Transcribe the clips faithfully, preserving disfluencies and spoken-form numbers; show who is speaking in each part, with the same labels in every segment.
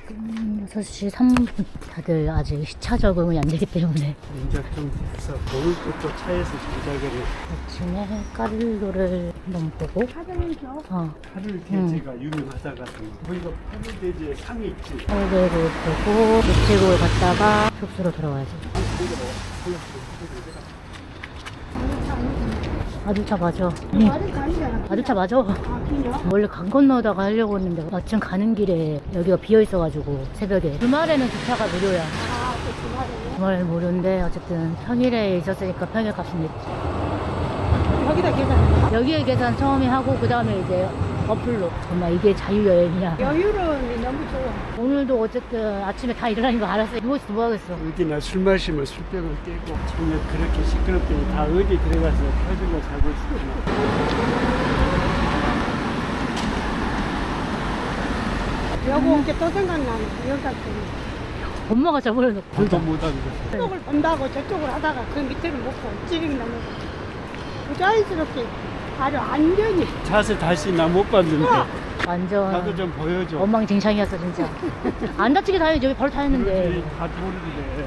Speaker 1: 지금 여섯 시 삼 분. 다들 아직 시차 적응이 안 되기 때문에
Speaker 2: 이제 좀 돼서 먹을 것도 차에서 조작을 해.
Speaker 1: 아침에 까를로를 한번 보고
Speaker 3: 사장님죠?
Speaker 1: 어,
Speaker 2: 파를 돼지가 유명하다가 거기가 파를 돼지의 상이 있지.
Speaker 1: 까를로를 보고 이쪽으로 갔다가 숙소로 돌아와야지. 아주차 맞아. 응.
Speaker 3: 아직 가니잖아.
Speaker 1: 아주차 맞아.
Speaker 3: 아, 그래요?
Speaker 1: 원래 강 건너다가 하려고 했는데 마침 가는 길에 여기가 비어있어가지고 새벽에 주말에는 주차가 무료야.
Speaker 3: 아, 그 주말에.
Speaker 1: 주말에는 무료인데 어쨌든 평일에 있었으니까 평일 값은 냈지.
Speaker 3: 여기다 계산해.
Speaker 1: 여기에 계산 처음에 하고 그 다음에 이제 어플로. 정말 이게 자유여행이야.
Speaker 3: 여유로운데 너무 좋아.
Speaker 1: 오늘도 어쨌든 아침에 다 일어나는 거 알았어. 누워서 뭐하겠어.
Speaker 2: 어디나 술 마시면 술병을 깨고 정말 그렇게 시끄럽더니 다 어디 들어가서 펴주고 자고 싶구나.
Speaker 3: 여기 온 게 또 생각나네. 여기 갈 때.
Speaker 1: 엄마가 저번에놓고
Speaker 2: 불도 못하는 거.
Speaker 3: 저쪽을 본다고 저쪽을 하다가 그 밑에를 못 보. 찌르기 너무 부자연스럽게 아주 안전히.
Speaker 2: 자세 다시 나 못 봤는데
Speaker 1: 완전
Speaker 2: 나도 좀 보여줘.
Speaker 1: 엉망진창이었어 진짜. 안 다치게 다행이지. 여기 바로 타였는데
Speaker 2: 그러지, 다 모르는데.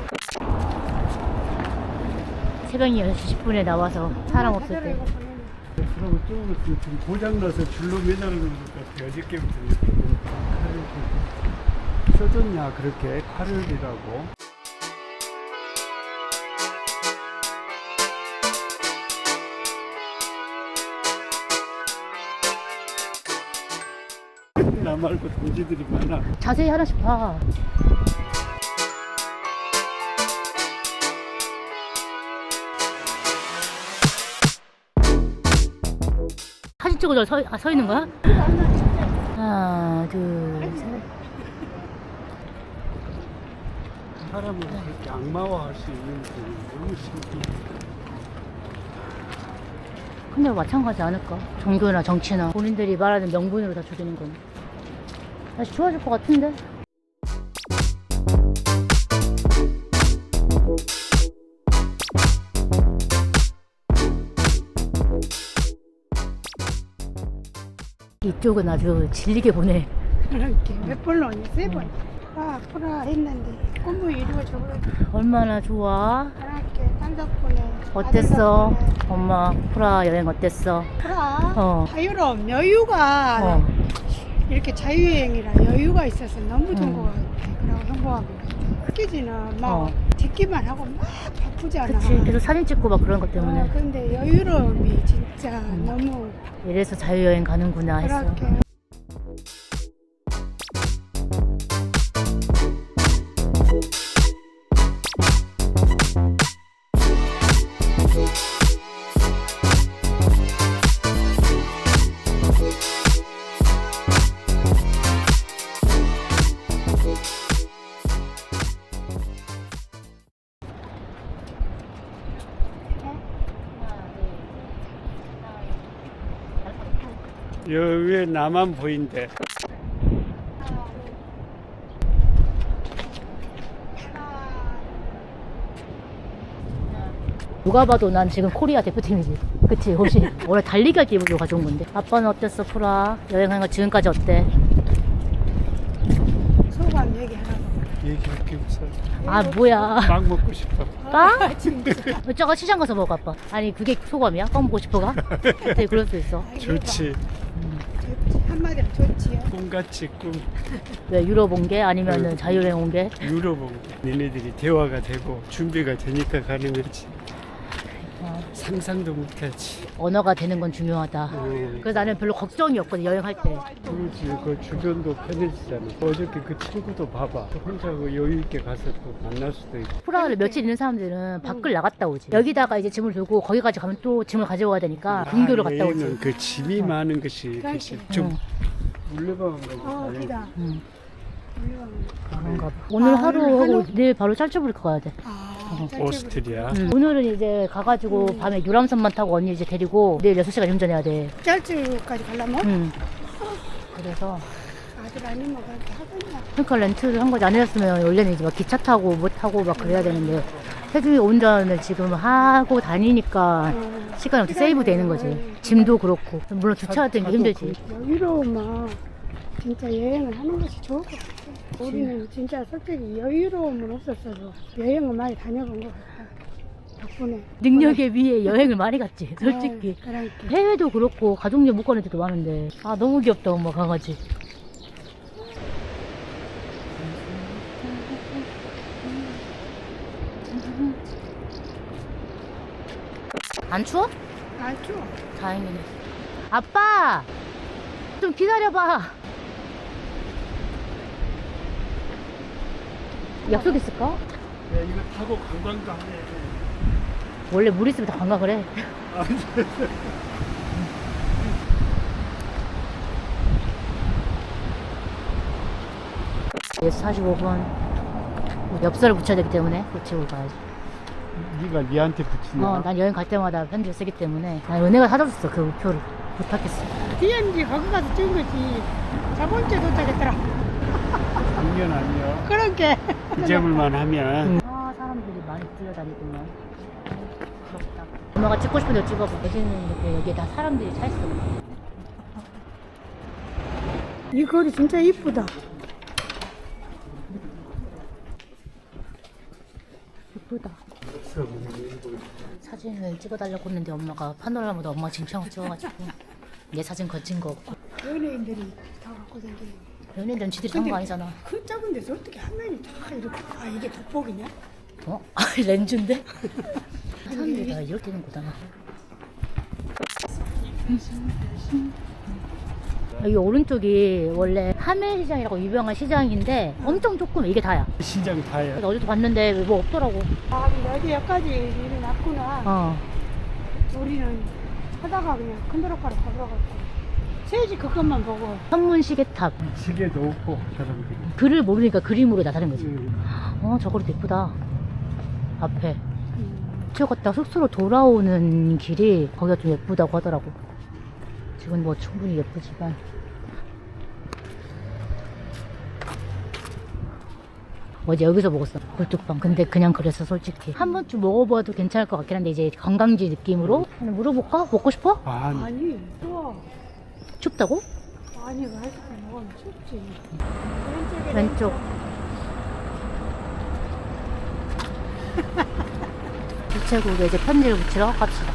Speaker 1: 새벽 여섯 시 십 분에 나와서 사람 없을 때.
Speaker 2: 그럼 조금 지금 고장나서 줄로 매달리는 것 같아. 어저께부터 이렇게 칼을 들고 써졌냐 그렇게 칼을이라고. 나 말고 동지들이 많아.
Speaker 1: 자세히 하나씩 봐. 사진 찍어줘. 서, 아, 서 있는 거야? 하나, 둘, 셋.
Speaker 2: 사람을 그렇게 악마화할 수 있는 게 너무 신기해.
Speaker 1: 근데 마찬가지 않을까? 종교나 정치나 본인들이 말하는 명분으로 다 조지는 건. 다시 좋아질 것 같은데? 이쪽은 아주 질리게 보내.
Speaker 3: 그렇게 몇 번로 오니? 세 번. 아, 프라 했는데 꿈을 이루어져 버렸어.
Speaker 1: 얼마나 좋아?
Speaker 3: 그렇게 딸 덕분에.
Speaker 1: 어땠어?
Speaker 3: 아들 덕분에.
Speaker 1: 엄마 프라 여행 어땠어?
Speaker 3: 프라
Speaker 1: 어.
Speaker 3: 자유로움, 여유가
Speaker 1: 어.
Speaker 3: 이렇게 자유여행이라 여유가 있어서 너무 좋은
Speaker 1: 음.
Speaker 3: 것 같아. 그리고 행복한 것 같아. 흑기지는 막
Speaker 1: 어.
Speaker 3: 듣기만 하고 막 바쁘지 않아.
Speaker 1: 그치. 계속 사진 찍고 막 그런 것 때문에.
Speaker 3: 어, 근데 여유로움이 진짜
Speaker 1: 음.
Speaker 3: 너무
Speaker 1: 이래서 자유여행 가는구나 했어.
Speaker 3: 그렇게.
Speaker 2: 여기에 나만 보인대.
Speaker 1: 누가 봐도 난 지금 코리아 대표팀이지. 그치, 옷이. 원래 달리기 할 때 입으려고 가져온 건데. 아빠는 어땠어, 프라? 여행한 거 지금까지 어때?
Speaker 3: 소감 얘기하라고.
Speaker 2: 얘기할게 우선.
Speaker 1: 아, 뭐야.
Speaker 2: 빵 먹고 싶어.
Speaker 1: 빵? 저거 시장 가서 먹어, 아빠. 아니, 그게 소감이야? 빵 먹고 싶어가? 그때 그럴 수 있어.
Speaker 2: 좋지.
Speaker 3: 좋지. 한마디로 좋지요.
Speaker 2: 꿈같이 꿈.
Speaker 1: 왜, 유럽 온 게? 아니면은
Speaker 2: 응.
Speaker 1: 자유여행 온 게?
Speaker 2: 유럽 온 게. 니네들이 대화가 되고 준비가 되니까 가는 거지.
Speaker 1: 어,
Speaker 2: 상상도 못하지.
Speaker 1: 언어가 되는 건 중요하다.
Speaker 2: 음.
Speaker 1: 그래서 나는 별로 걱정이 없거든, 여행할 때.
Speaker 2: 그렇지. 그 주변도 편해지잖아. 어저께 그 친구도 봐봐. 혼자 그 여유 있게 가서 또 만날 수도 있고.
Speaker 1: 프라하를 며칠 있는 사람들은 밖을 나갔다 오지. 여기다가 이제 짐을 들고 거기까지 가면 또 짐을 가져와야 되니까 근교로 갔다 오지.
Speaker 2: 여행은 그 짐이 많은 것이
Speaker 3: 그렇지.
Speaker 2: 그치. 좀
Speaker 1: 응.
Speaker 2: 물레방아 가지고.
Speaker 3: 어, 기다.
Speaker 1: 응.
Speaker 3: 물론.
Speaker 1: 그런가 봐. 오늘
Speaker 3: 아,
Speaker 1: 하루
Speaker 3: 오늘
Speaker 1: 하고
Speaker 3: 하루?
Speaker 1: 내일 바로 짤츠부르크 가야 돼.
Speaker 3: 아,
Speaker 1: 어.
Speaker 3: 짧게
Speaker 2: 오스트리아.
Speaker 1: 응. 오늘은 이제 가가지고
Speaker 3: 음.
Speaker 1: 밤에 유람선만 타고 언니 이제 데리고 내일 여섯 시간 운전해야 돼.
Speaker 3: 짤주까지 가려면
Speaker 1: 응. 그래서
Speaker 3: 아들 아니면 그렇게 하겠냐.
Speaker 1: 그러니까 렌트를 한 거지. 안 했으면 원래는 이제 막 기차 타고 뭐 타고 막 그래야 되는데 태중이 운전을 지금 하고 다니니까
Speaker 3: 어,
Speaker 1: 시간이 어떻게 세이브 되는 거지. 짐도 그렇고 물론 주차할 때는 힘들지.
Speaker 3: 여유로움은 진짜 여행을 하는 것이 좋을 것 같아. 우리는 진짜 솔직히 여유로움은 없었어도 여행을 많이 다녀본 것 같아. 덕분에.
Speaker 1: 능력에 비해 여행을 많이 갔지, 솔직히.
Speaker 3: 아, 그러니까.
Speaker 1: 해외도 그렇고 가족여 못 가는 데도 많은데. 아, 너무 귀엽다, 엄마 강아지. 안 추워?
Speaker 3: 아, 추워.
Speaker 1: 다행이네. 아빠! 좀 기다려봐. 약속 있을까?
Speaker 2: 야, 이거 타고 관광도 하네.
Speaker 1: 원래 물 있으면 다 관광을 해.
Speaker 2: 아,
Speaker 1: 그래서 사십오 분. 엽서를 붙여야 되기 때문에 붙이고 가야지.
Speaker 2: 네가 니한테 붙이냐?
Speaker 1: 어, 난 여행 갈 때마다 편지를 쓰기 때문에 난 은혜가 사줬어, 그 우표를. 부탁했어.
Speaker 3: 디엔지 거기 가서 찍은 거지. 저번 주에 도착했더라.
Speaker 2: 작년 아니야.
Speaker 3: 그러게.
Speaker 2: 잊어볼만 하면.
Speaker 1: 아, 사람들이 많이 뛰어다니구나. 부럽다. 엄마가 찍고 싶은 데 찍어서 대신에 여기에 다 사람들이 차 있어.
Speaker 3: 이 거리 진짜 이쁘다.
Speaker 1: 예쁘다. 사진을 찍어달라고 했는데 엄마가 파노라마도 엄마 진창을 찍어가지고 내 사진 거친 거 없고.
Speaker 3: 연예인들이 다 갖고 다니는.
Speaker 1: 연예인들은 지들이 산 거 아니잖아.
Speaker 3: 그 작은 데서 어떻게 한 면이 다 이렇게. 아, 이게 돋보기냐?
Speaker 1: 어? 아, 렌즈인데? 사람들이 다 이렇게 되는구나. 여기 오른쪽이 원래 하멜시장이라고 유명한 시장인데 엄청 조금, 이게 다야.
Speaker 2: 시장 다야.
Speaker 1: 그래서 어제도 봤는데 뭐 없더라고.
Speaker 3: 아, 여기 여기까지 일이 났구나.
Speaker 1: 어.
Speaker 3: 우리는 하다가 그냥 큰 도로가로 가버려가지고 세지 그것만 보고.
Speaker 1: 현문 시계탑.
Speaker 2: 시계도 없고 사람들이.
Speaker 1: 글을 모르니까 그림으로 나타낸 거지.
Speaker 2: 응.
Speaker 1: 어, 저거도 예쁘다. 앞에.
Speaker 3: 음,
Speaker 1: 저 갔다 숙소로 돌아오는 길이 거기가 좀 예쁘다고 하더라고. 지금 뭐 충분히 예쁘지만. 어제 여기서 먹었어, 굴뚝빵. 근데 그냥 그랬어, 솔직히. 한 번쯤 먹어봐도 괜찮을 것 같긴 한데, 이제 관광지 느낌으로. 하나 물어볼까? 먹고 싶어?
Speaker 2: 아,
Speaker 3: 아니 좋아.
Speaker 1: 춥다고?
Speaker 3: 아니 아이스크림 먹으면 춥지. 왼쪽에
Speaker 1: 왼쪽. 우체국에 이제 편지를 붙이러 갑시다.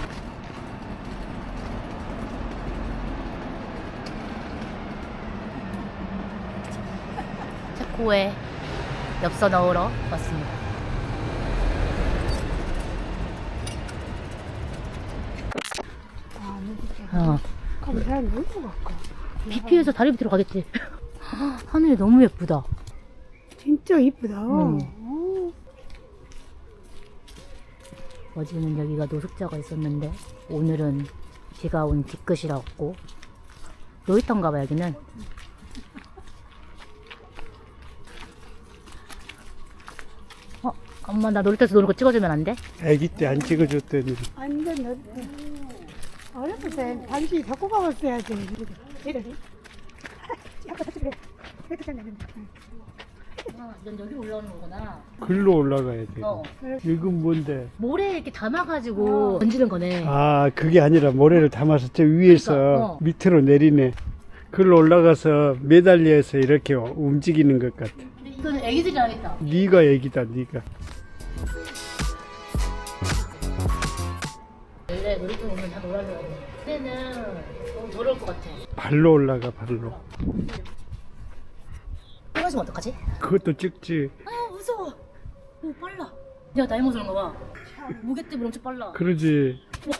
Speaker 1: 체코에 엽서 넣으러 왔습니다.
Speaker 3: 아, 진짜.
Speaker 1: 어.
Speaker 3: 그럼 사람 놀고 갈까?
Speaker 1: 비피에서 다리 밑으로 가겠지. 하늘이 너무 예쁘다.
Speaker 3: 진짜 이쁘다.
Speaker 1: 응.
Speaker 3: 어.
Speaker 1: 어제는 여기가 노숙자가 있었는데 오늘은 비가 온 뒤끝이라고. 놀이터인가 봐, 여기는. 어, 엄마 나 놀이터에서 노는 거 찍어주면 안 돼?
Speaker 2: 아기 때 안 찍어줬더니.
Speaker 3: 완전 넓다. 어렸을 때 반지 갖고 가봤어야지. 이러지. 아까 같이 그래. 그래도 잘 나는데.
Speaker 1: 아, 넌 여기 올라오는 거구나.
Speaker 2: 글로 올라가야 돼.
Speaker 1: 어.
Speaker 2: 이건 뭔데?
Speaker 1: 모래에 이렇게 담아가지고 던지는 거네.
Speaker 2: 아, 그게 아니라 모래를 담아서 저 위에서
Speaker 1: 그러니까, 어.
Speaker 2: 밑으로 내리네. 글로 올라가서 매달려서 이렇게 움직이는 것 같아.
Speaker 1: 근데 이거는 애기들이 하겠다.
Speaker 2: 네가 애기다, 네가.
Speaker 1: 원래 놀이터 오면 다 놀아줘야 돼. 그때는 너무 더러울 것 같아.
Speaker 2: 발로 올라가, 발로.
Speaker 1: 떨어지면 어떡하지?
Speaker 2: 그것도 찍지.
Speaker 1: 아, 무서워. 오, 빨라. 내가 나이 먹어서 그런가 봐. 무게 때문에 엄청 빨라.
Speaker 2: 그러지.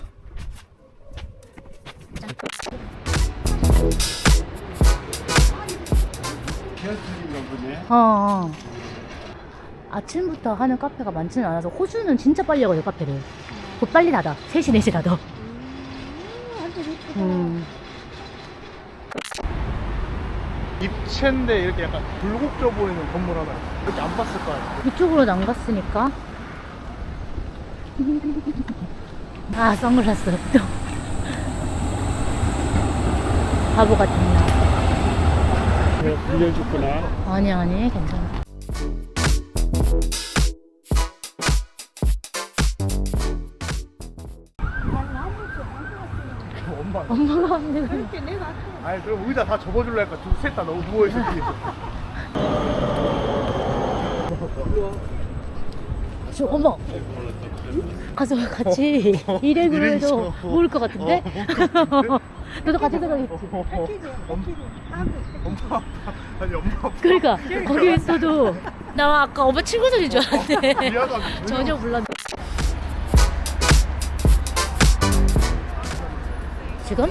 Speaker 2: 기아차인가 보네.
Speaker 1: 어, 어. 아침부터 하는 카페가 많지는 않아서 호주는 진짜 빨리 하거든, 카페를. 곧 빨리 닫아. 세 시, 네 시라도.
Speaker 3: 음, 완전 이쁘다.
Speaker 1: 음.
Speaker 4: 입체인데 이렇게 약간 굴곡져 보이는 건물 하나 있어. 이렇게 안 봤을 거 아니야.
Speaker 1: 이쪽으로는 안 갔으니까. 아, 선글라스. 또. 바보 같은 나.
Speaker 2: 내가 빌려줬구나.
Speaker 1: 아니, 아니, 괜찮아.
Speaker 4: 엄마
Speaker 1: 엄마가 없는 거.
Speaker 3: 이렇게 내가
Speaker 4: 아니 그럼 의자 다 접어줄라니까 둘셋 다 너무 누워있어 뒤에.
Speaker 1: 저, 어머. 가서 같이 일행으로 해도 모를 것 같은데? 너도 같이 들어가겠지.
Speaker 4: 엄마 아니 엄마 아빠
Speaker 1: 그러니까 거기 있어도 나 아까 엄마 친구들인 줄 알았는데
Speaker 4: 미안하다.
Speaker 1: 전혀 몰랐네. 지금?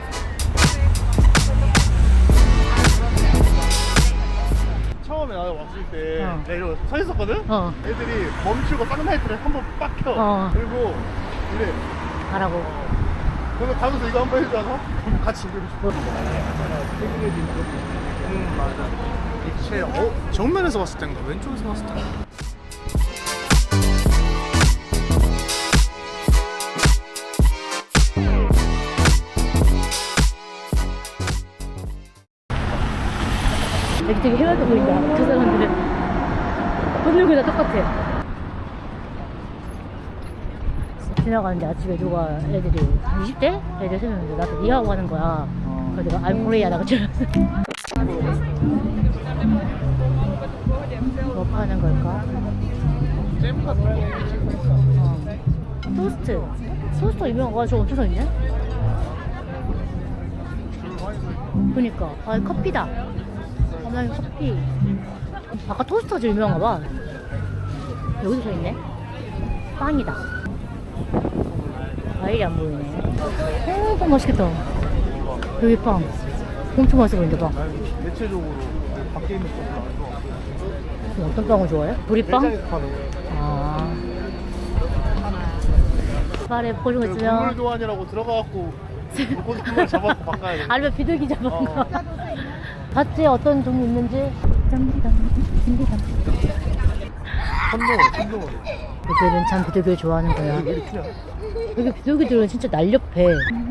Speaker 4: 처음에 나도 왔을 때
Speaker 1: 어.
Speaker 4: 내가 이러고 서 있었거든?
Speaker 1: 어.
Speaker 4: 애들이 멈추고 쌍라이트를 한 번 빡 켜.
Speaker 1: 어.
Speaker 4: 그리고 이래.
Speaker 1: 가라고.
Speaker 4: 그래서 가면서 이거 한 번 해주잖아? 그럼 같이 이러고 싶어. 음 맞아. 이체 어? 정면에서 봤을 땐가 왼쪽에서 봤을 땐가?
Speaker 1: 여기 되게 해맑아 보인다. 저 사람들은 보는 거다 똑같아. 지나가는데 아침에 누가 애들이 한 이십 대? 애들 세 명인데 나한테 니하고 하는 거야. 그래서 내가 I'm Korea 나가 줄 뭐 파는 걸까?
Speaker 4: 잼 같은 거.
Speaker 1: 어. 토스트. 토스트 유명한 거 저 엄청 서 있네?
Speaker 4: 줄 많이 서 있고.
Speaker 1: 그니까. 아, 커피다. 엄마 커피. 아까 토스트가 제일 유명한가 봐. 여기도 서 있네. 빵이다. 과일이 안 보이네. 어, 빵 맛있겠다. 여기 빵. 엄청 맛있어 보이는데, 빵.
Speaker 4: 난 대체적으로 밖에 있는 것도 안 좋아.
Speaker 1: 그럼 어떤 빵을 좋아해? 보리빵?
Speaker 4: 매장에서 파는 거.
Speaker 1: 아. 말에 보는 거
Speaker 4: 그
Speaker 1: 있으면.
Speaker 4: 국물 교환이라고 들어가갖고 물고기만 잡아갖고 바꿔야 돼.
Speaker 1: 아니면 비둘기 잡은
Speaker 4: 어.
Speaker 1: 거. 봤지? 어떤 종류 있는지? 짬비담, 짬비담.
Speaker 4: 선동을, 선동을.
Speaker 1: 애들은 참 비둘기를 좋아하는 거야.
Speaker 4: 왜 이렇게 크냐?
Speaker 1: 여기 비둘기들은 진짜 날렵해.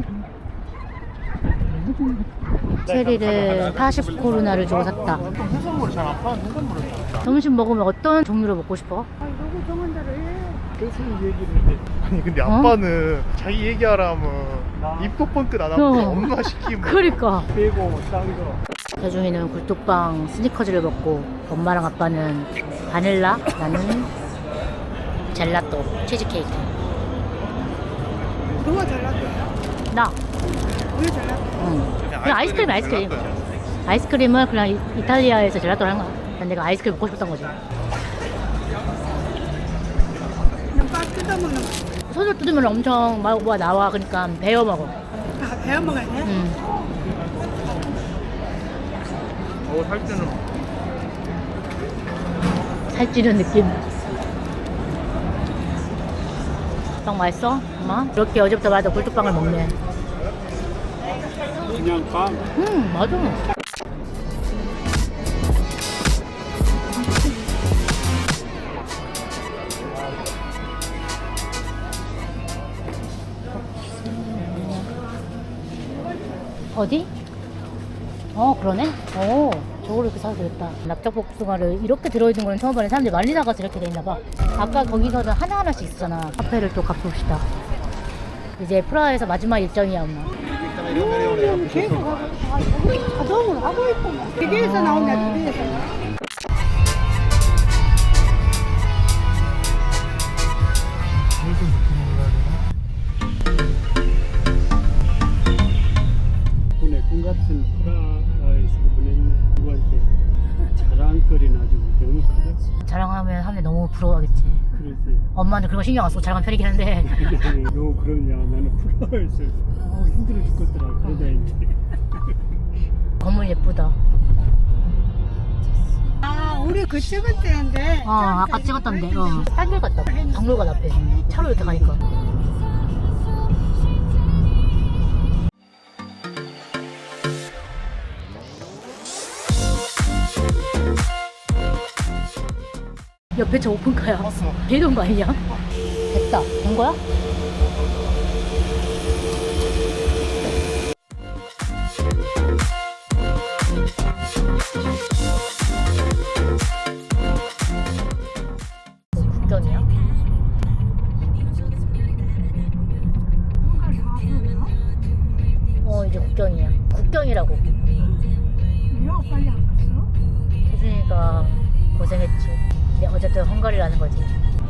Speaker 1: 체리를 사십 코로나를 주고 샀다.
Speaker 4: 해산물 잘 안 파는 해산물을 사.
Speaker 1: 점심 먹으면 어떤 종류를 먹고 싶어?
Speaker 3: 아, 누구 정한 대로 해.
Speaker 4: 계속 얘기를 해. 아니 근데 아빠는 자기 얘기하라면 입도 뻥끗 안 하고
Speaker 1: 어.
Speaker 4: 엄마 시키면
Speaker 1: 그러니까.
Speaker 2: 빼고 싼 거.
Speaker 1: 대중이는 굴뚝빵 스니커즈를 먹고 엄마랑 아빠는 바닐라, 나는 젤라또, 치즈케이크.
Speaker 3: 누가 잘났대요?
Speaker 1: 나.
Speaker 3: 왜 잘났대?
Speaker 1: 응. 그냥 아이스크림, 아이스크림. 아이스크림을 그냥 이- 이탈리아에서 젤라또를 한 거야. 난 내가 아이스크림 먹고 싶었던 거지.
Speaker 3: 그냥 빠 뜯어먹는 거.
Speaker 1: 손을 뜯으면 엄청 막 뭐가 나와. 그러니까 베어 먹어.
Speaker 3: 아, 배워 먹어야 돼?
Speaker 1: 응.
Speaker 4: 어 살찌는
Speaker 1: 살찌는 느낌. 빵 맛있어? 엄마? 이렇게 어제부터 말도 굴뚝빵을 먹네.
Speaker 2: 그냥 빵.
Speaker 1: 음, 맞아. 어디? 어, 그러네? 어, 저거를 이렇게 사도 되겠다. 납작복숭아를 이렇게 들어있는 거는 처음 보는 사람들이 말리 나가서 이렇게 돼 있나봐. 아까 거기서는 하나하나씩 있었잖아. 카페를 또 가봅시다. 이제 프라하에서 마지막 일정이야, 엄마.
Speaker 3: 음, 계속 하고, 아, 저기 자동으로 하고 있구나. 기계에서 나온다, 기계에서.
Speaker 2: 보내 꿈 같은 프라하에서 보냈네. 누구한테 자랑거리는 아주 너무 크다.
Speaker 1: 자랑하면 사람들이 너무 부러워하겠지.
Speaker 2: 그러지.
Speaker 1: 엄마는 그런 거 신경 안 쓰고 자랑하는 편이긴 한데.
Speaker 2: 너 그러냐? 나는 프라하에서 어, 힘들어 죽겠더라. 그러다 이제.
Speaker 1: 건물 예쁘다.
Speaker 3: 아, 우리 그 찍을 때인데.
Speaker 1: 어, 아까 찍었던데. 어. 딴길 갔다. 박물관 앞에. 차로 이렇게 가니까. 옆에 저 오픈카야.
Speaker 4: 봤어.
Speaker 1: 걔도 온 거 아니냐? 됐다. 된 거야? 국경이야? 고생했지. 근데 어쨌든 헝가리라는 거지.